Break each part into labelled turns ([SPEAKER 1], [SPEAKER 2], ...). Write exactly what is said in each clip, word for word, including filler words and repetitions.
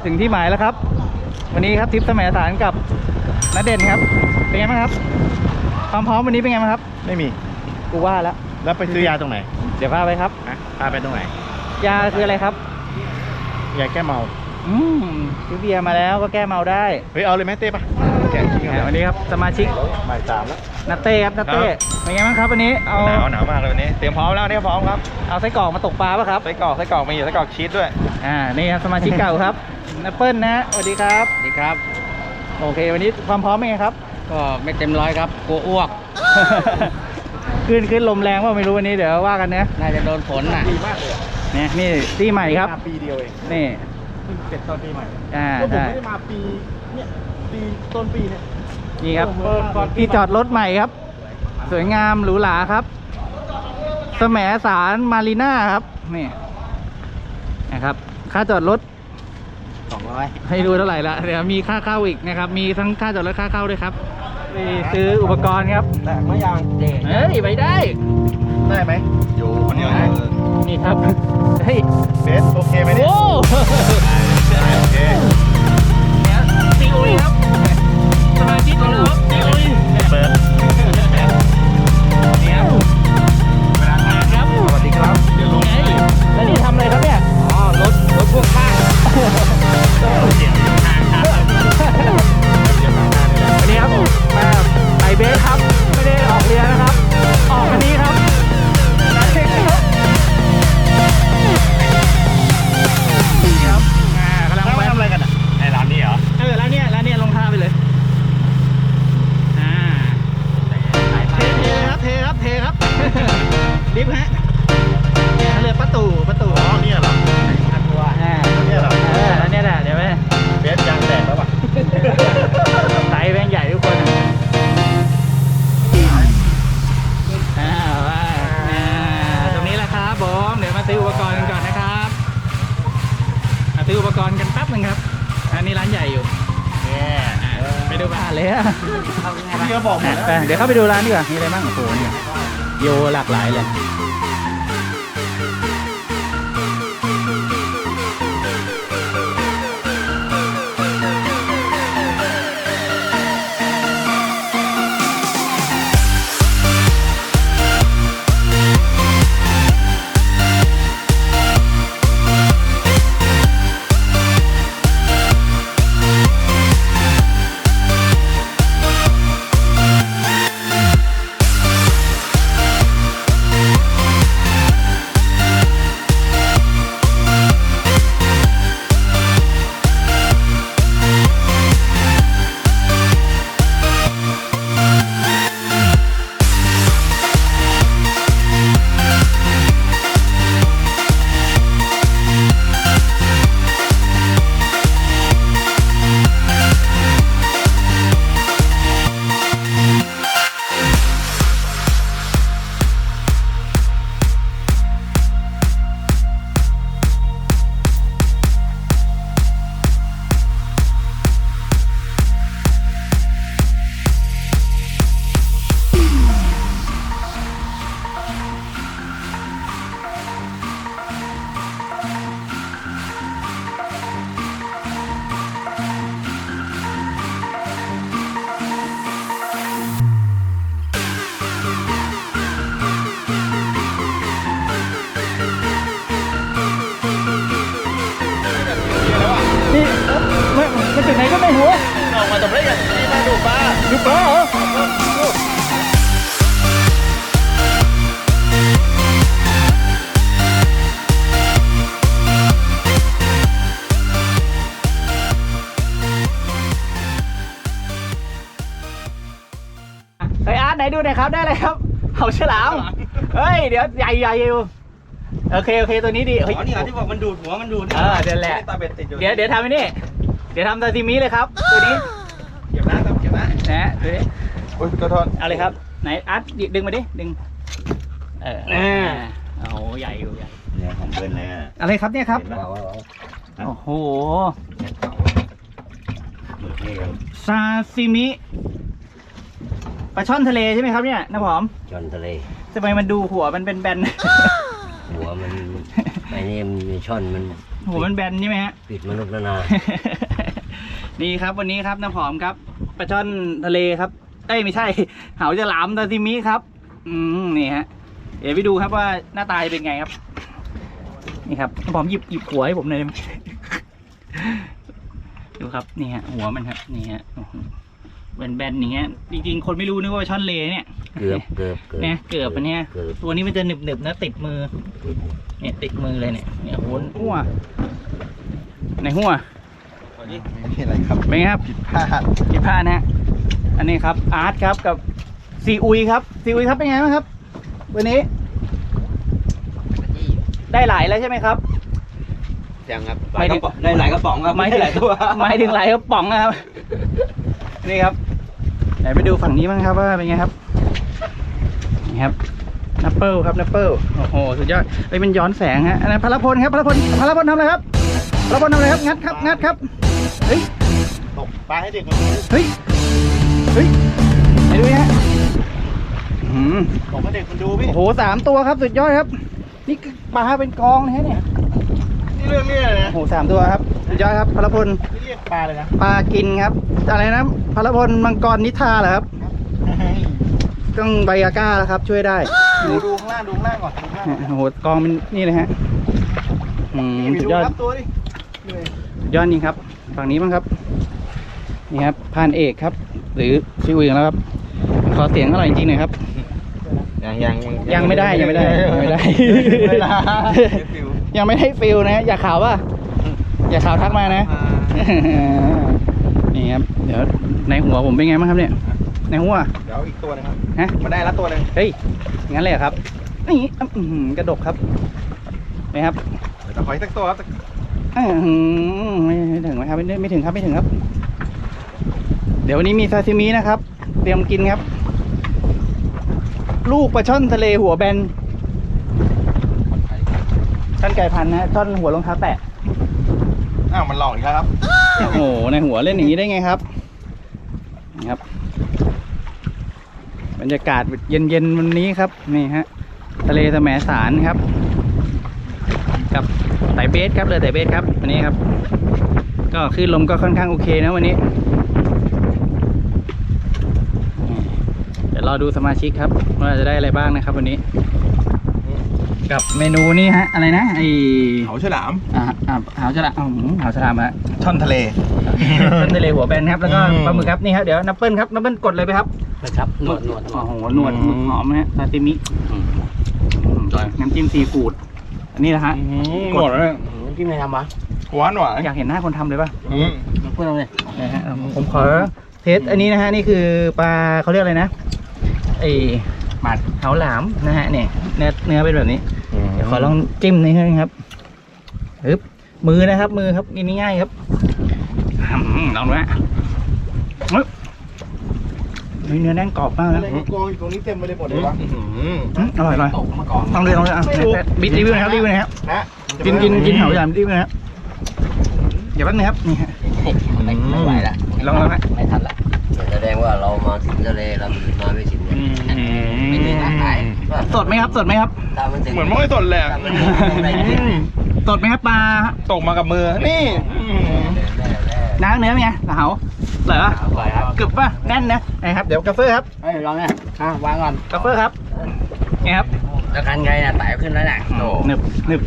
[SPEAKER 1] ถึงที่หมายแล้วครับวันนี้ครับทริปสมัยสารกับณเด่นครับเป็นไงบ้างครับความพร้อมวันนี้เป็นไงบ้างครับ
[SPEAKER 2] ไม่มี
[SPEAKER 1] กูว่าแล้ว
[SPEAKER 2] แล้วไปซื้อยาตรงไหน
[SPEAKER 1] เดี๋ยวพาไปครับ
[SPEAKER 2] พาไปตรงไหน
[SPEAKER 1] ยาคืออะไรครับ
[SPEAKER 2] ยาแก้เมา
[SPEAKER 1] อืมซื้อเบียร์มาแล้วก็แก้เมาได้
[SPEAKER 2] เฮ้ยเอาเลยไหมเต้ปะแกะชิ้นกัน
[SPEAKER 1] วันนี้ครับสมาชิก
[SPEAKER 2] บ่ายสามแล้ว
[SPEAKER 1] นัตเต้ครับนัตเต้เป็นไงบ้างครับวันนี้เอา
[SPEAKER 2] หนาวหนาวมากเลยวันนี้เตรียมพร้อมแล้วเนี่ยพร้อมครับ
[SPEAKER 1] เอาไส้กรอกมาตกปลาป่ะครับ
[SPEAKER 2] ไส้กรอกไส้กรอกมีอยู่ไส้กรอกชีสด้วย
[SPEAKER 1] อ่านี่ครับสมาชิกเก่าครับนัปเปิลนะสวัสดีครับ
[SPEAKER 3] สวัสดีครับ
[SPEAKER 1] โอเควันนี้ความพร้อมเป็นไงครับ
[SPEAKER 3] ก็ไม่เต็มร้อยครับกลัวอ้วก
[SPEAKER 1] ขึ้นขึ้นลมแรงว่าไม่รู้วันนี้เดี๋ยวว่ากันนะ
[SPEAKER 3] น่าจะโดนฝนน่ะ
[SPEAKER 2] ดีมากเลย
[SPEAKER 1] เนี่ยนี่ที่ใหม่ครับ
[SPEAKER 2] ปีเดียวเอง
[SPEAKER 1] นี่
[SPEAKER 2] เพิ่งเสร็จตอนปีใหม่
[SPEAKER 1] อ่า
[SPEAKER 2] ผมไม่ได้มาปีเนี่ยปีต้นปีเนี่ย
[SPEAKER 1] นี่ครับที่จอดรถใหม่ครับสวยงามหรูหราครับแสมสารมารีน่าครับนี่นะครับค่าจอดรถ
[SPEAKER 3] สองร้อย
[SPEAKER 1] ให้ดูเท่าไหร่ละเดี๋ยวมีค่าเข้าอีกนะครับมีทั้งค่าจอดรถค่าเข้าด้วยครับไปซื้ออุปกรณ์ครับ
[SPEAKER 2] แตกไม่ยัง
[SPEAKER 1] เฮ้ยไปได้
[SPEAKER 2] ได้ไหมอยู่คนเดียว
[SPEAKER 1] นี่ครับเฮ้ย
[SPEAKER 2] เบสโอเคไหมเนี่ย
[SPEAKER 1] โอ้
[SPEAKER 2] โอเค
[SPEAKER 1] เนี่ยซีอุยครับสมาชิกของเราซีอุย
[SPEAKER 2] เปิด
[SPEAKER 1] เนี่ยเวลาทานครับ
[SPEAKER 2] สวัสดีครับเดี๋ยวลง
[SPEAKER 1] ไงแล้วนี่ทำอะไรครับเนี่ย
[SPEAKER 3] อ๋อรถรถพ่วงข้าง
[SPEAKER 2] เดี๋ยวทางครับเดี๋ยวทางหน้านี่แหละ
[SPEAKER 1] วันนี้ครับมาไปเบสครับไม่ได้ออกเรือนะครับออกวันนี้ครับนี่ครับอ่ากำลังไป
[SPEAKER 2] ทำอะไรกันอ่ะในร้านนี้เหรอ
[SPEAKER 1] เออร้านเนี้ยร้านเนี้ยลงท่าไปเลยอ่าเทเทครับเทครับเทครับดิฟฮะเนี่ยเรือประตูประตู
[SPEAKER 2] อ๋อเนี่ยเหรอ
[SPEAKER 1] อ่า
[SPEAKER 2] เนี่ยเหรอ
[SPEAKER 1] เออร้านเนี้ยแหละเดี๋ยวไป
[SPEAKER 2] เบสยางแตกแล้วป่ะ
[SPEAKER 1] ไซส์แบงใหญ่ทุกคนอ่าว่าอ่าตรงนี้แหละครับผมเดี๋ยวมาซื้ออุปกรณ์กันก่อนนะครับมาซื้ออุปกรณ์กันแป๊บนึงครับอันนี้ร้านใหญ่อยู่ไปดูบ้านเลยอะ
[SPEAKER 2] พี่ก็บอกหมดแล้ว
[SPEAKER 1] เดี๋ยวเข้าไปดูร้านดีกว่ามีอะไรบ้างโอ้โหเนี่ยโยหลากหลายเลยนี่มันมันถึงไหนก็ไม่รู้
[SPEAKER 2] ออกมาทำไรกันนี่มาดูปลา
[SPEAKER 1] ดูปลาเหรอเฮ้ยอาร์ตไหนดูหน่อยครับได้เลยครับเขาฉลามเฮ้ยเดี๋ยวใหญ่ใหญ่อยู่โอเคโอเคตัวนี้ดีเฮ้ย
[SPEAKER 2] อ๋อนี่ที่บอกมันดูดหัวมันดูด
[SPEAKER 1] เออเดี๋ยวแหละ
[SPEAKER 2] ตาเบ็ดติดอยู่
[SPEAKER 1] เดี๋ยวเดี๋ยวทำไอ้นี่เดี๋ยวทำซาซิมิเลยครับตัวนี้
[SPEAKER 2] เก็บนะเก็บนะ
[SPEAKER 1] นะตัวนี้
[SPEAKER 2] โอ้ยกระทอน
[SPEAKER 1] เอาเลยครับไหนอาร์ตดึงมาดิดึงเอออ่าโอ้โหใหญ่อยู่ใหญ่
[SPEAKER 2] เนี่ยของเพื่อนเลย
[SPEAKER 1] อะไรครับเนี่ยครับโอ้โหซาซิมิปลาช่อนทะเลใช่ไหมครับเนี่ยน้าผอม
[SPEAKER 3] ช่อนทะเล
[SPEAKER 1] ทำไมมันดูหัวมันเป็นแบน
[SPEAKER 3] หัวมันไอ้นี่มันช่อนมัน
[SPEAKER 1] หัวมันแบนใช่ไหมฮะ
[SPEAKER 2] ติดมนุษย์นานา
[SPEAKER 1] นี่ครับวันนี้ครับน้ำหอมครับปลาช่อนทะเลครับเอ้ยไม่ใช่เหาฉลามซาซิมิครับ อืมนี่ฮะเดี๋ยวไปดูครับว่าหน้าตาจะเป็นไงครับนี่ครับน้ำหอมหยิบหยิบหัวให้ผมหน่อยได้ไหม ดูครับนี่ฮะหัวมันครับนี่ฮะแบนๆอย่างเงี้ยจริงๆคนไม่รู้นึกว่าช่อนเลเนี่ย
[SPEAKER 2] เกือบเกือบเกือบ
[SPEAKER 1] เนี่ยเกือบอันเนี้ย
[SPEAKER 2] เกือบ
[SPEAKER 1] ตัวนี้มันจะหนึบๆนะติดมือเนี่ยติดมือเลยเนี่ยเนี่ยโหนหัวในหัว
[SPEAKER 3] ไม่มีอะไรครับ
[SPEAKER 1] เป็นไงครับ
[SPEAKER 3] ผิดพลาด
[SPEAKER 1] ผิดพลาดนะฮะอันนี้ครับอาร์ตครับกับซีอุยครับซีอุยครับเป็นไงบ้างครับวันนี้ ได้หลายแล้วใช่ไหมครับ
[SPEAKER 3] ยังครับ
[SPEAKER 1] ไม่ถึง
[SPEAKER 3] ได้หลายกระป๋องครับ
[SPEAKER 1] ไม่ถึง
[SPEAKER 3] หลายตัว
[SPEAKER 1] หมายถึงหลายกระป๋องนะครับ นี่ครับไหนไปดูฝั่งนี้บ้างครับว่าเป็นไงครับนี่ครับนัปเปิลครับนัปเปิลโอ้โหสุดยอดเอ้ยมันย้อนแสงฮะอันนั้นพลพลครับพลพลพลพลทำอะไรครับพลพลทำอะไรครับงัดครับงัดครับเฮ้ย
[SPEAKER 3] ตกปลาให้เด็กมันดู
[SPEAKER 1] เฮ้ยเฮ้ยไหนดูฮะอืม
[SPEAKER 3] ตกให้เด็กมันดูพี่
[SPEAKER 1] โอ้โหสามตัวครับสุดยอดครับนี่คือปลาเป็นกองนะฮะเนี่ย
[SPEAKER 3] นี่เรื่องนี้เลยนะ
[SPEAKER 1] โอ้โหสามตัวครับสุดยอดครับพลพล
[SPEAKER 3] นี่เรียกปลาเลยนะ
[SPEAKER 1] ปลากินครับอะไรนะพลพลมังกรนิทราเหรอครับต้องไบอาก้าแล้วครับช่วยได้
[SPEAKER 3] ดูดูข้างล่างดูข้างล่างก่อนดูข้างล่างก่อน
[SPEAKER 1] โอ้โหกองเป็นนี่เลยฮะอืม
[SPEAKER 3] นี่
[SPEAKER 1] สุ
[SPEAKER 3] ดู
[SPEAKER 1] ดยอด
[SPEAKER 3] ครับตัวดินี่เลย
[SPEAKER 1] สุดยอดจริงครับฝั่งนี้บ้างครับนี่ครับพานเอกครับ หรือชิวอีกแล้วครับขอเสียงอร่อยจริงๆหน่อยครับ
[SPEAKER 3] ยังยัง
[SPEAKER 1] ยังไม่ได้ยังไม่ได้ยังไม่ได้
[SPEAKER 3] ไม่ได้
[SPEAKER 1] ยังไม่ได้ฟิลนะฮะอย่าข่าวว่าอย่าข่าวทักมานะ นี่ครับเดี๋ยวในหัวผมเป็นไงบ้างครับเนี่ยในหัว
[SPEAKER 3] เดี๋ยวอีกตัวหนึงครับ
[SPEAKER 1] ฮะ
[SPEAKER 3] มาได้แล้วตัวหนึง
[SPEAKER 1] เฮ้ยงั้นเลยเหรอครับนี่อื้อหือกระดกครับนี่ครับ
[SPEAKER 3] เดี๋ยวขออีกสักตัวครับ
[SPEAKER 1] อื้อหือไม่ไม่ถึงไหมครับไม่ไม่ถึงครับไม่ถึงครับ เดี๋ยววันนี้มีซาซิมินะครับ เตรียมกินครับ ลูกปลาช่อนทะเลหัวแบนช่อนไก่พันธุ์นะช่อนหัวรองเท้าแตะ
[SPEAKER 3] อ้าวมันหลอกอีกแล้วครับ
[SPEAKER 1] โอ้โหในหัวเล่นอย่างนี้ได้ไงครับนี่ครับ บรรยากาศเย็นๆวันนี้ครับนี่ฮะทะเลแสมสารครับ กับไต่เบสครับเรือไต่เบสครับวันนี้ครับ ก็คลื่นลมก็ค่อนข้างโอเคนะวันนี้ เดี๋ยวรอดูสมาชิกครับว่าจะได้อะไรบ้างนะครับวันนี้ กับเมนูนี้ฮะอะไรนะไอ
[SPEAKER 3] เขาฉลาม
[SPEAKER 1] อ่าอ่าหาวฉลามอ๋อหาวฉลามฮะ
[SPEAKER 3] ช่อนทะเล
[SPEAKER 1] ต้นทะเลหัวแบนครับแล้วก็
[SPEAKER 3] อืม
[SPEAKER 1] ปลาหมึกครับนี่ครับเดี๋ยวนับเปิลครับนับเปิลกดเลยไปครับ
[SPEAKER 3] นะครับหนวดหนวด
[SPEAKER 1] โอ้โหหนวดหมึกหอมนะฮะซาซิมิน้ำจิ้มซีฟู้ดอันนี้นะฮะ
[SPEAKER 3] หนวดเลย
[SPEAKER 2] ที่ไม่ทำวะ
[SPEAKER 3] หวานหวาน
[SPEAKER 1] อยากเห็นหน้าคนทำเลยป่ะ
[SPEAKER 3] อืม
[SPEAKER 2] เพื่อนเราเลย
[SPEAKER 1] นะฮะผมขอเทสอันนี้นะฮะนี่คือปลาเขาเรียกอะไรนะไอหมัดเหาหลามนะฮะเนี่ยเนื้อเนื้อเป็นแบบนี้เดี๋ยวขอลองจิ้มนี่ครับปึ๊บมือนะครับมือครับกินง่ายๆครับอืมลองดูฮะปึ๊บเฮ้ยเนื้อแน่นกรอบมาก
[SPEAKER 3] อะ
[SPEAKER 1] นะ
[SPEAKER 3] ไรกองอยู่ตรงนี้เต็มไปเลยหมดเลยวะ
[SPEAKER 1] อืมอร่อยอร่อย
[SPEAKER 3] ตกมาก่อน
[SPEAKER 1] ลองเลยลองเลยอ่ะ
[SPEAKER 3] ไม่รู้
[SPEAKER 1] บิดรีวิวนะครับรีวิวนะครับ
[SPEAKER 3] นะ
[SPEAKER 1] กินกินกินเหาหลามรีวิวนะครับเดี๋ยวแป๊บนึงครับนี่ฮะ
[SPEAKER 2] ไม่ไหวละ
[SPEAKER 1] ลองลองฮะ
[SPEAKER 2] ไม่ทันละแสดงว่าเรามาถึงทะเลเรามาไม่ถึงเนี่ยไม่ถึงร้านขาย
[SPEAKER 1] สดไหมครับสดไหมครับ
[SPEAKER 2] ตามมันถึง
[SPEAKER 3] เหมือนไม่ค่อยสดเลยอะ
[SPEAKER 2] ตามมันถึงอะไรกิน
[SPEAKER 1] สดไหมครับปลา
[SPEAKER 3] ตกมากับมือ นี่อืม
[SPEAKER 1] น้ำเนื้อเป็นไงเหาเหรอ
[SPEAKER 2] อร่อยครับ
[SPEAKER 1] กรึบป่ะแน่นนะนะครับเดี๋ยวกาเฟอร์ครับ
[SPEAKER 2] เฮ้ยลองเนี่ยอ่ะวางก่อน
[SPEAKER 1] กาเฟอร์ครับนี่ครับ
[SPEAKER 2] แล้วกันไงน่ะไต่ขึ้นแล้วน่ะโอ้
[SPEAKER 1] หนึบหนึบ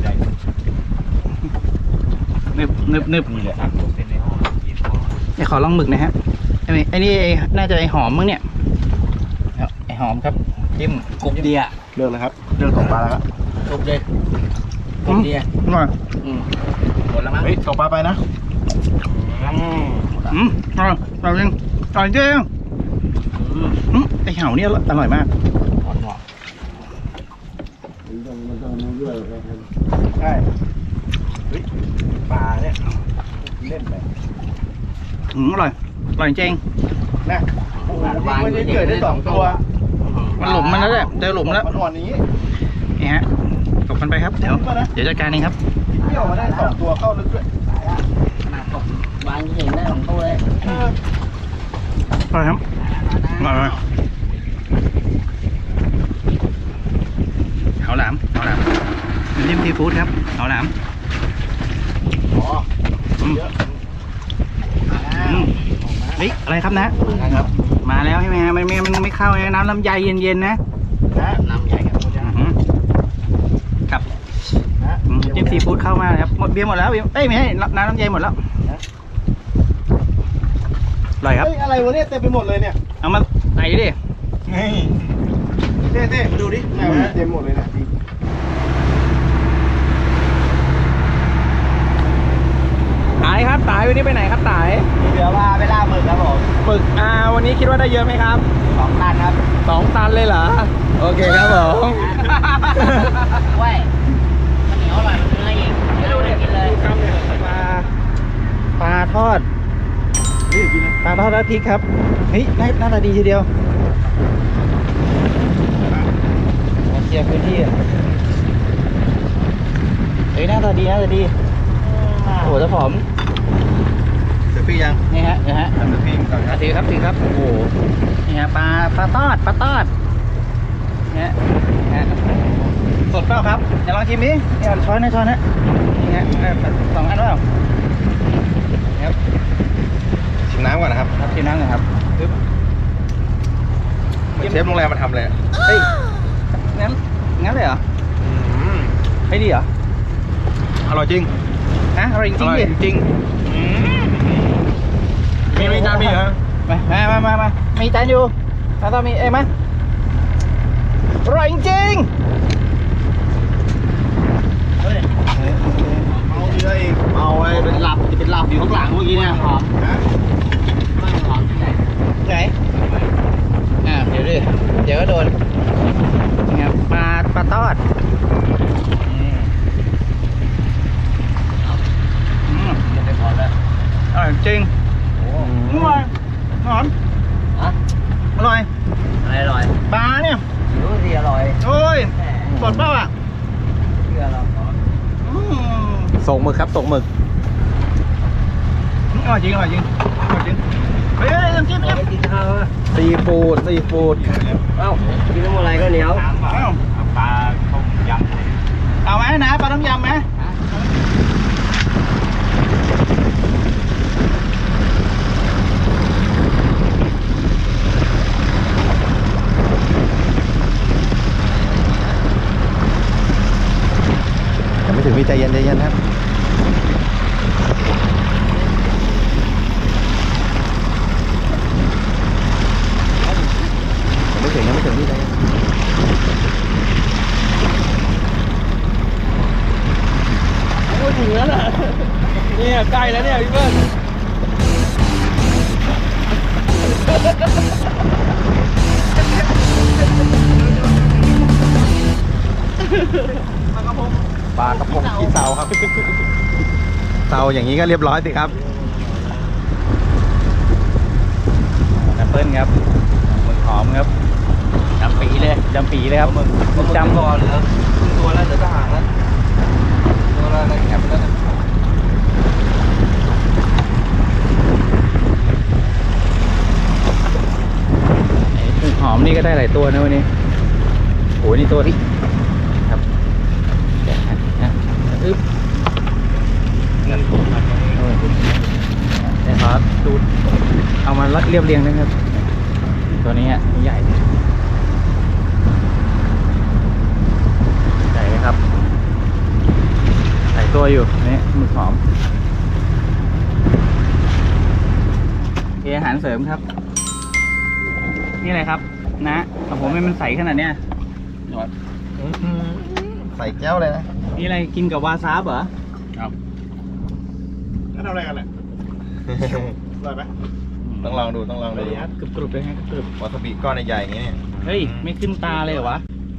[SPEAKER 1] หนึบหนึบหนึบเดี๋ยวขอลองหมึกนะฮะไอ้นี่ไอ้นี่น่าจะไอหอมมั้งเนี่ยไอหอมครับจิ้ม
[SPEAKER 2] กรุบดีอ่ะ
[SPEAKER 3] เลือกเลยครับเลือกตกปลาแล้วครับ
[SPEAKER 2] กรุบดีกรุบดีอ่ะ
[SPEAKER 1] อร่อย
[SPEAKER 2] อืมหมดแล้วมั้ง
[SPEAKER 3] เฮ้ยตกปลาไปนะ
[SPEAKER 1] อืมอร่อยอร่อยจริงอร่อยจริงอืมไอเหาเนี่ยอร่อยมาก
[SPEAKER 2] หอนหอ
[SPEAKER 3] ใช่เฮ้ยปลาเนี่ยเล่นไป
[SPEAKER 1] อืมอร่อยอร่อยจริง
[SPEAKER 3] นะโอ้โหมันจะเกิดได้สองตัว
[SPEAKER 1] มันหลุมมันแล้วแหละเจอหลุมแล้ว
[SPEAKER 3] มันอ่อนอย่างนี้
[SPEAKER 1] นี่ฮะตกกันไปครับเดี๋ยวเดี๋ยวจัดการเองครับ
[SPEAKER 3] เที่ยวมาได้สองตัวเข้าลึกด้วย
[SPEAKER 2] ขนาดตกวางเห็นได้ของตัวเลย
[SPEAKER 3] เออ
[SPEAKER 1] อร่อยครับอร่อยเหาหลามเหาหลามน้ำจิ้มซีฟู้ดครับเหาหลามอืม
[SPEAKER 3] เยอะ
[SPEAKER 1] อืมเฮ้ยอะไรครับนะ
[SPEAKER 2] ครับ
[SPEAKER 1] มาแล้วใช่ไหมฮะมันไม่มันไม่เข้าไงน้ำลำไยเย็นๆนะ
[SPEAKER 3] นะ
[SPEAKER 2] น้ำใหญ่ครับ
[SPEAKER 1] อื้อหือครับ
[SPEAKER 3] นะ
[SPEAKER 1] อืมจิ้มซีฟู้ดเข้ามาเลยครับหมดเบียร์หมดแล้วเบียร์เอ้ยไม่ใช่น้ำลำไยหมดแล้วอร่อยครับ
[SPEAKER 3] เฮ้ยอะไรวะเนี่ยเต็มไปหมดเลยเนี่ย
[SPEAKER 1] เอามาใส่ดิ
[SPEAKER 3] นี่เต้เต้มาดูดิไหนวะเนี่ยเต็มหมดเลยเนี่ย
[SPEAKER 1] ตายครับตายวันนี้ไปไหนครับตาย
[SPEAKER 3] เดี๋ยวว่าไปล่าหมึกครับผม
[SPEAKER 1] ฝึกอ่าวันนี้คิดว่าได้เยอะไหมครับ
[SPEAKER 3] สองตันครับ
[SPEAKER 1] สองตันเลยเหรอโอเคครับผม
[SPEAKER 2] เว้ยมันเหนียวอร่อยมันเนื้ออีกไม่รู้เลยกินเลย
[SPEAKER 1] ปลาปลาทอด
[SPEAKER 3] นี่กินนะ
[SPEAKER 1] ปลาทอดราดพริกครับเฮ้ยหน้าหน้าตาดีทีเดียวมาเคลียร์พื้นที่อะเฮ้ยหน้าตาดีหน้าตาดีโอ้โหเจ้าผอม
[SPEAKER 3] เสือพี่ยัง
[SPEAKER 1] นี่ฮะนี่ฮะ
[SPEAKER 3] เสือพี่ก่อนครับ
[SPEAKER 1] ถือครับถือครับโอ้โหนี่ฮะปลาปลาทอดปลาทอดนี่ฮะนี่ฮะสดเปล่าครับเดี๋ยวลองชิมดินี่เอาช้อนนะช้อนนะนี่ฮะเออสองอันเปล่านี่ครับ
[SPEAKER 3] ชิมน้ำก่อนนะครับ
[SPEAKER 1] ครับชิมน้ำหน่อยครับปึ๊บ
[SPEAKER 3] เชฟโรงแรมมาทำเลย
[SPEAKER 1] เฮ้ยงั้นงั้นเลยเหรอไม่ดีเหรอ
[SPEAKER 3] อร่อยจริง
[SPEAKER 1] ฮะอร่อยจ
[SPEAKER 3] อ
[SPEAKER 1] ริง
[SPEAKER 3] ร่อย
[SPEAKER 1] ๆดิ
[SPEAKER 3] จริงมีมีจานมีเหรอ
[SPEAKER 1] มามามามามีจานอยู่แล้วต้องมีเอ้ยมาอร่อยจริง
[SPEAKER 3] เฮ้ยเอาเยอะอีกเอาไว้เป็นหลับจะเป็นหลับอยู่ข้างหลังเมื่อกี้เนี่ยหอมนะ
[SPEAKER 2] ไม่หอมที่ไหน
[SPEAKER 1] ๆไหนอ่าเดี๋ยวดิเดี๋ยวก็โดนนี่ครับปลาปลาทอดอืม
[SPEAKER 2] จะไปพอแล้ว
[SPEAKER 1] อร่อยจริง
[SPEAKER 2] โอ้
[SPEAKER 1] อร่อยหอม
[SPEAKER 2] ฮะ
[SPEAKER 1] อร่อย
[SPEAKER 2] อะไรอร่อย
[SPEAKER 1] ปลาเนี่ย
[SPEAKER 2] รู้สิอร่อย
[SPEAKER 1] โอ้ยสดเปล่าอ่ะ
[SPEAKER 2] เชื่อเรา
[SPEAKER 1] อืม
[SPEAKER 3] ส่งหมึกครับส่งหมึก
[SPEAKER 1] อร่อยจริงอร่อยจริงอร่อยจริงเฮ้ยเฮ้ยน้ำจิ้มน้ำจิ้ม
[SPEAKER 2] กินข้าว
[SPEAKER 3] ซีฟู้ดซีฟู้ด
[SPEAKER 2] เอ้ากินน้ำอะไรก็เหนียว
[SPEAKER 1] เอา
[SPEAKER 3] ปลาต้มยำ
[SPEAKER 1] เอาไหมนะปลาต้มยำไหม
[SPEAKER 3] ยังไม่ถึงพี่ใจเย็นใจเย็นครับยังไม่ถึงยังไม่ถึงพี่ใจเย็น
[SPEAKER 1] พูดถึงแล้วน่ะเนี่ยใกล้แล้วเนี่ยพี่เบิ้ลปลากระพง
[SPEAKER 3] ปลากระพงขี้เตาครับเตาอย่างนี้ก็เรียบร้อยสิครับ
[SPEAKER 1] แอปเปิ้ลครับหมึกหอมครับจำปีเลยจำปีเลยครับหมึกหมึกจำ
[SPEAKER 2] ตัวเหลือตัวแล้วเหลือทหารแล้วตัวอะไรแคบแล้วนะ
[SPEAKER 1] หมึกหอมนี่ก็ได้หลายตัวนะวันนี้โอ้ยนี่ตัวที่ครับนะอึ๊บเดี๋ยวขอดูเอามาเรียบเรียงนะครับ ตัวนี้อ่ะใหญ่ใหญ่ครับใส่ตัวอยู่นี่หมึกหอมเออาหารเสริมครับ นี่อะไรครับนะของผมไม่มันใสขนาดเนี้ย
[SPEAKER 3] ใส่แก้วเลยนะ
[SPEAKER 1] นี่อะไรกินกับวาซาบเหรอ
[SPEAKER 3] ครับแล้วทำอะไรกันเนี่ยอร่อยไหมต้องลองดูต้องลองดู
[SPEAKER 1] กรุบกรุบเลยฮะกรุบ
[SPEAKER 3] วาซาบิก้อนใหญ่ๆอย่างนี้เนี่ย
[SPEAKER 1] เฮ้ยไม่ขึ้นตาเลยเหรอวะ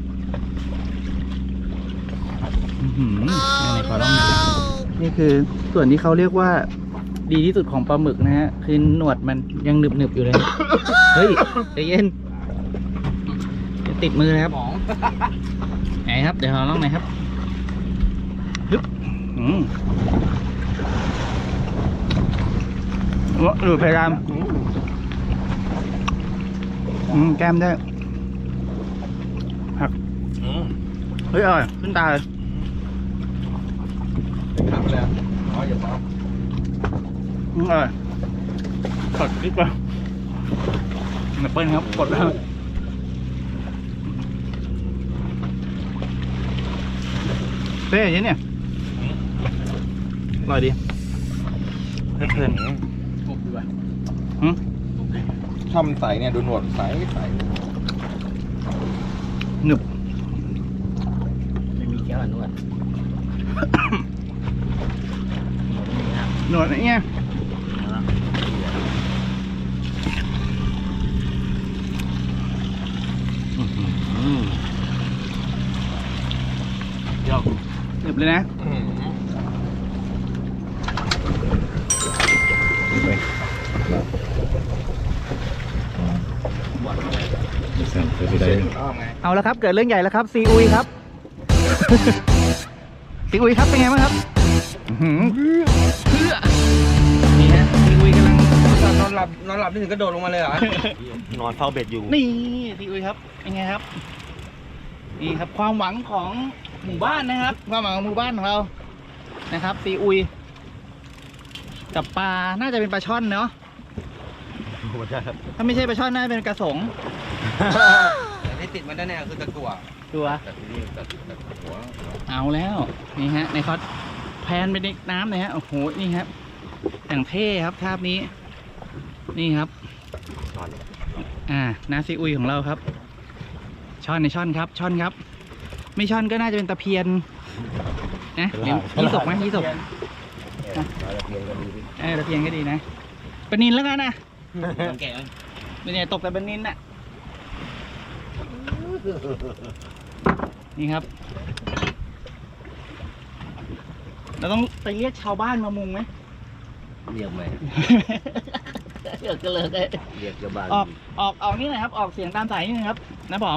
[SPEAKER 1] อื้อหือไหนๆขอลองหน่อยนี่คือส่วนที่เขาเรียกว่าดีที่สุดของปลาหมึกนะฮะคือหนวดมันยังหนึบหนึบๆอยู่เลย เฮ้ยใจเย็นเดี๋ยวติดมือนะครับไหนครับเดี๋ยวขอลองหน่อยครับฮึบอืมดูเพดานอืมแก้มได้ผัก
[SPEAKER 3] อืม
[SPEAKER 1] เฮ้ยอร่อยขึ้นตาเลย
[SPEAKER 3] ขับไปเลยอ๋ออย่าซ้อม
[SPEAKER 1] อืมอร่อยกดนิดเดียวแอปเปิ้ลครับกดแล้วเต้ยเนี่ยอร่อยดีเพลินๆปุ๊บดีกว่าหืม
[SPEAKER 3] ชอบมันใสเนี่ยดูหนวดใสใส
[SPEAKER 1] หนึบ
[SPEAKER 2] ไม่มีแก้วนวด
[SPEAKER 1] หนวดไอ้เนี่ยเดี๋ยวหนึบเลยนะเอาแล้วครับเกิดเรื่องใหญ่แล้วครับซีอุยครับ ซีอุยครับเป็นไงบ้างครับอื้อหือเพื่อนี่ฮะซีอุยกำลัง
[SPEAKER 4] นอนหลับนอนหลับนี่ถึงกระโดดลงมาเลยเหรอ
[SPEAKER 3] นอนเฝ้าเบ็ดอยู่
[SPEAKER 1] นี่ซีอุยครับเป็นไงครับนี่ครับความหวังของหมู่บ้านนะครับความหวังของหมู่บ้านของเรานะครับซีอุยกับปลาน่าจะเป็นปลาช่อนเนาะถ้าไม่ใช่ปลาช่อนน่าจะเป็นกระสง
[SPEAKER 4] แต่ที่ติดมันแน่ๆคือตะกั่ว
[SPEAKER 1] ตัว
[SPEAKER 2] แต่ที่นี่ตัดตัดหัว
[SPEAKER 1] เอาแล้วนี่ฮะในคอสแพนไปในน้ำเลยฮะโอ้โหนี่ครับอย่างเท่ครับภาพนี้นี่ครับอ่านาซีอุยของเราครับช่อนในช่อนครับช่อนครับ ไม่ช่อนก็น่าจะเป็นตะเพียนนะเดี๋ยวยี่สกไหมยี่สก
[SPEAKER 2] มาละเพียงก็ดีดิ
[SPEAKER 1] เออตะเพียนก็ดีนะปลานินแล้วกันนะ
[SPEAKER 4] แก่
[SPEAKER 1] เป็นไงตกแต่ปลานินน่ะนี่ครับเราต้องไปเรียกชาวบ้านมามุงไหม
[SPEAKER 2] เรียกไหม
[SPEAKER 1] เดี๋ยวก็เลย
[SPEAKER 2] เรียกเจ้าบ้าน
[SPEAKER 1] ออกออกออกนี่หน่อยครับออกเสียงตามสายนี่นะครับนะผม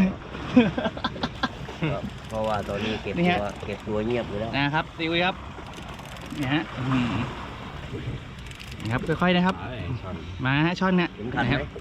[SPEAKER 2] ไม่ต้องเพราะว่าตอนนี้เก็บ
[SPEAKER 1] นี่
[SPEAKER 2] ตั
[SPEAKER 1] ฮะ
[SPEAKER 2] วเก็บตัวเงียบอยู่แล้ว
[SPEAKER 1] นะครับซีอุยครับนี่ฮะอื้อหือนี่ครับค่อยๆนะครับมาฮะช่อนเนี่ย
[SPEAKER 2] เห็นคัน
[SPEAKER 1] นะ
[SPEAKER 2] ไห
[SPEAKER 1] ค
[SPEAKER 2] ม
[SPEAKER 1] รับ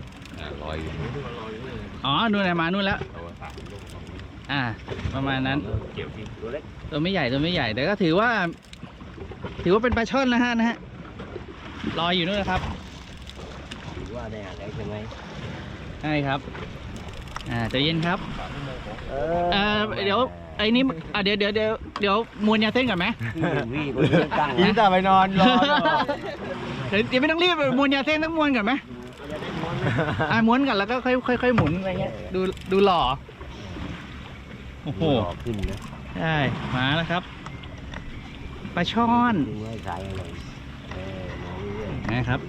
[SPEAKER 1] อ๋อนู่นน่ะมานู่นแล้วอ่าประมาณนั้น
[SPEAKER 2] เก็บที่ตัวเล็ก
[SPEAKER 1] ตัวไม่ใหญ่ตัวไม่ใหญ่แต่ก็ถือว่า ถือว่าเป็นปลาช่อนนะฮะนะฮะลอยอยู่นู่นนะครับ
[SPEAKER 2] ถือว่าได้อะไรใช่ไหม
[SPEAKER 1] ใช่ครับอ่าใจเย็นครับ
[SPEAKER 2] เอ
[SPEAKER 1] เอ่อเดี๋ยวไอ้นี่อ่ะเดี๋ยวเดี๋ยวเดี๋ยวเดี๋ยวมวนยาเส้นก่อนไหม
[SPEAKER 2] วี่คนเดียวตั้ง
[SPEAKER 3] ยิ้มแต่ไปนอนรอ
[SPEAKER 1] เดี๋ยวเดี๋ยวไม่ต้องรีบมวนยาเส้นต้องมวนก่อนไหมอ่ะม้วนก่อนแล้วก็ค่อยค่อยค่อยหมุนอะไรเงี้ยดูดูหล่อโอ้โห
[SPEAKER 2] หล่อขึ้นนะ
[SPEAKER 1] ใช่มาแล้วครับปลาช่อน
[SPEAKER 2] ดูให้สายอะไรเออมองเรื่อย
[SPEAKER 1] นะครับ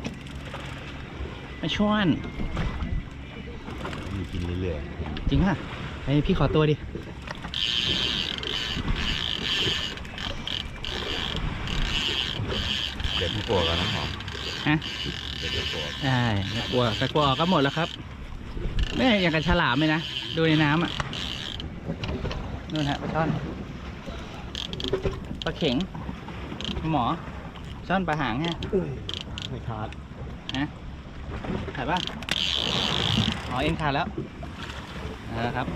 [SPEAKER 1] ปลาช่อน
[SPEAKER 3] ๆมีกินเรื่อย
[SPEAKER 1] จริงป่ะไอพี่ขอตัวดิ
[SPEAKER 3] ๆเด็ดผู้ปวดกันน้ำหอม
[SPEAKER 1] ฮะ
[SPEAKER 3] เด็ดผู้ปวด
[SPEAKER 1] ใช่ตะกัวตะกัวออกก็หมดแล้วครับไม่อย่างกับฉลามเลยนะดูในน้ำอ่ะนู่นฮะปลาช่อนปลาเข็งหมอช่อนปลาหางฮะ
[SPEAKER 3] ไม่ขาด
[SPEAKER 1] ฮะขาดป่ะอ๋อเอ็นขาดแล้วนะครับ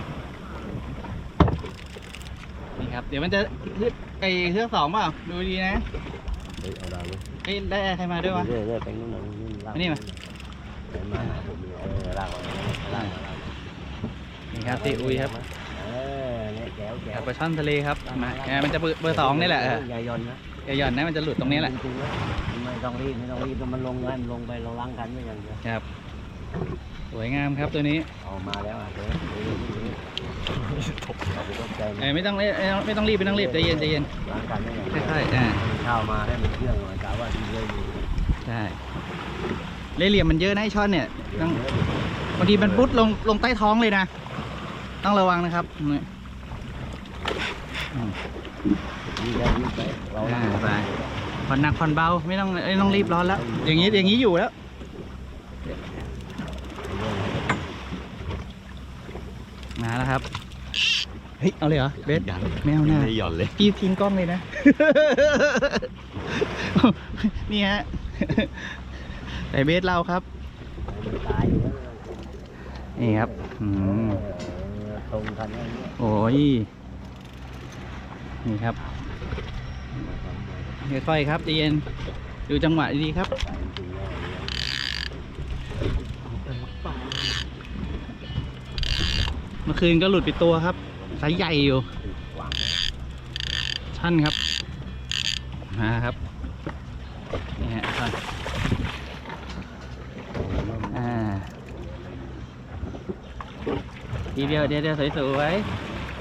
[SPEAKER 1] นี่ครับเดี๋ยวมันจะฮึดไอเครื่องสองเปล่าดูดีนะ
[SPEAKER 2] เฮ้ยเอาดาวเลย
[SPEAKER 1] เอ้ยได้ใครมาด้วยวะ
[SPEAKER 2] เรื่อยๆเรื่อยๆไปนู่นน่ะนู่นลาก
[SPEAKER 1] อันนี้มา
[SPEAKER 2] ไปมาหาผมเลยเออลากมาลากมาลากมา
[SPEAKER 1] นี่ครับซีอุยครับ
[SPEAKER 2] เออเนี่ยแจ๋วแจ๋ว
[SPEAKER 1] ปลาช่อนทะเลครับมาเออมันจะเบอร์เบอร์สองนี่แหละเออ
[SPEAKER 2] อย่าหย่อนนะ
[SPEAKER 1] อย่าหย่อนนะมันจะหลุดตรงนี้แหละ
[SPEAKER 2] จริงๆนะไม่ต้องรีบไม่ต้องรีบมันลงแล้วมันลงไปเราล้างกันไม่อย่างเดียว
[SPEAKER 1] ครับสวยงามครับตัวนี้
[SPEAKER 2] เอามาแล้วอ่ะเดี๋ยวเดี๋ยวเดี๋ยวเดี๋ยวเอาไปต้มใจ
[SPEAKER 1] เอ้ยไม่ต้องไม่ต้องไม่ต้องรีบไม่ต้องรีบใจเย็นใจเย็น
[SPEAKER 2] ล้างกันไม่อย่างเดียว
[SPEAKER 1] ค่อยๆอ่า
[SPEAKER 2] ข้าวมาให้มันเครื่องหน่อยกะว่าดีเลยดี
[SPEAKER 1] ใช่เล่ห์เหลี่ยมมันเยอะนะไอช่อนเนี่ยต้องบางทีมันปุ๊ดลงลงใต้ท้องเลยนะต้องระวังนะครับนี่อืม
[SPEAKER 2] ดีได้ดีไปเรา
[SPEAKER 1] อ่า
[SPEAKER 2] ล้าง
[SPEAKER 1] ไปผ่อนหนักผ่อนเบาไม่ต้องไม่ต้องรีบร้อนแล้ว อย่างนี้อย่างนี้อยู่แล้วมาแล้วครับเฮ้ยเอาเลยเหรอเบสไม่เอาหน้า
[SPEAKER 3] ไม่หย่อนเลย
[SPEAKER 1] พี่ทิ้งกล้องเลยนะ นี่ฮะแต่เบสเราครับ
[SPEAKER 2] มันตายอยู่แล้ว
[SPEAKER 1] นี่ครับอืม
[SPEAKER 2] เออตรงกันอย่างเงี้ย
[SPEAKER 1] โอ้ยนี่ครับค่อยๆครับใจเย็นดูจังหวะดีๆครับเมื่อคืนก็หลุดไปตัวครับไซส์ใหญ่อยู่ชั่นครับมาครับนี่ฮะชั่นอ่าทีเดียวเดียวเดียวสวยๆ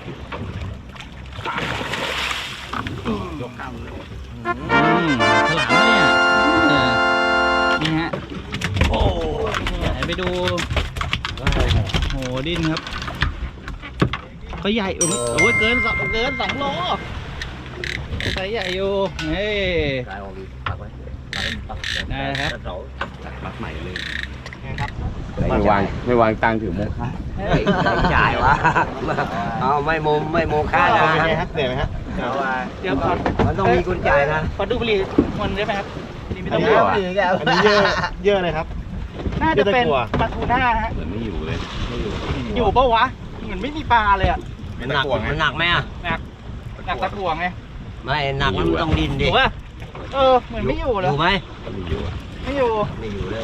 [SPEAKER 1] ยกข้างเลยอืมฉลามเนี่ยเออนี่ฮะโอ้ไหนไปดูโหดิ้นครับก็ใหญ่โอ้ยเกินสองเกินสองโลไซส์ใหญ่อยู่เฮ้ย
[SPEAKER 2] กายออกดีปักไว้ปักปัก
[SPEAKER 1] ได้ครับ
[SPEAKER 2] เสา
[SPEAKER 3] ปักใหม่เลย
[SPEAKER 2] ไม่วางไม่วางตังถือโมฆะจ่ายวะเอาไม่โมไม่โมฆะนะ
[SPEAKER 3] เป็นไงฮะเหนื่อยไหมฮะ
[SPEAKER 2] เอาว่า
[SPEAKER 1] เดี๋ยวก่อน
[SPEAKER 2] มันต้องมีกุญจ่ายนะ
[SPEAKER 1] ขอดูบุหรี่มันได้ไหมครับนี่ไม่ต้อง
[SPEAKER 3] อันนี้
[SPEAKER 1] เย
[SPEAKER 3] เหร
[SPEAKER 1] อะ
[SPEAKER 3] อ อันนี้เยอะเยอะเลยครับ
[SPEAKER 1] น่าจะเป็น
[SPEAKER 3] เยอะตะกั่ว
[SPEAKER 1] ปลาทูน่าฮะ
[SPEAKER 3] เหมือนไม่อยู่เลย ไม่อยู่
[SPEAKER 1] อยู่ปะวะเหมือนไม่มีปลาเลยอ่ะ
[SPEAKER 2] มันหนักมันหนักไหมอ่ะ
[SPEAKER 1] หนักหนักตะกั่วไง
[SPEAKER 2] ไม่หนักมันต้องดิน
[SPEAKER 1] อ
[SPEAKER 2] ดิ
[SPEAKER 1] ยู่ปะเออเหมือนไม่อยู่
[SPEAKER 2] อ
[SPEAKER 1] เลย
[SPEAKER 2] ยู่ไหม
[SPEAKER 3] ไม่อยู่อะ
[SPEAKER 1] ไม่อยู่
[SPEAKER 2] ไม่อยู่เลย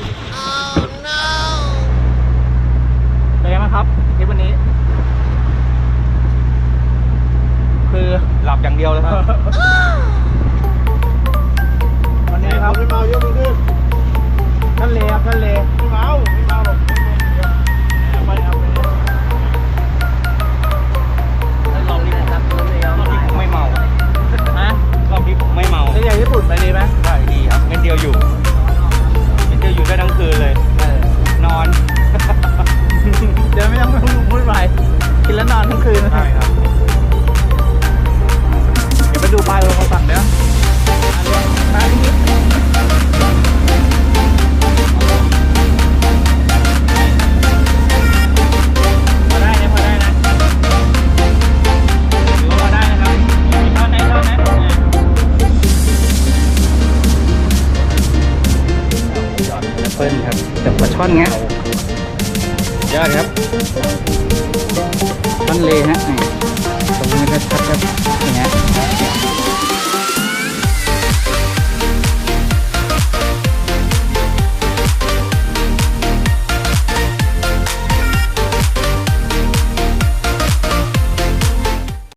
[SPEAKER 1] เป็นไงบ้างครับคลิปวันนี้ คือ
[SPEAKER 4] หลับอย่างเดียวเลยครับ
[SPEAKER 1] วันนี้ครับ
[SPEAKER 3] ไม่เมายกมือขึ้น
[SPEAKER 1] ทะเลครับทะเล
[SPEAKER 3] ไม่เมาไม่เมาหรอกเอาไปเอาไป
[SPEAKER 1] รอบนี้ครับรอบนี้
[SPEAKER 4] รอบนี้ผมไม่เมา
[SPEAKER 1] ฮะ
[SPEAKER 4] รอบนี้ผมไม่เมา
[SPEAKER 1] ทะเลญี่ปุ่นไปดีไหม
[SPEAKER 4] ได้ดีครับเม็ดเดียวอยู่เม็ดเดียวอยู่ได้ทั้งคืนเลย นอน
[SPEAKER 1] เดี๋ยวไม่ต้องพูดไปกินแล้วนอนทั้งคืน
[SPEAKER 3] ใช่ครับ
[SPEAKER 1] เดี๋ยวไปดูปลายของฝั่งเดี๋ยวปลาที่นี่พอได้นะพอได้นะถือว่าพอได้นะครับมีท่อนไหนท่อนนั้นเปิ้ลครับจับปลาช่อนเงี้ยยอดครับท่อนเลฮะนี่ตรงนี้ชัดๆครับนี่ฮะ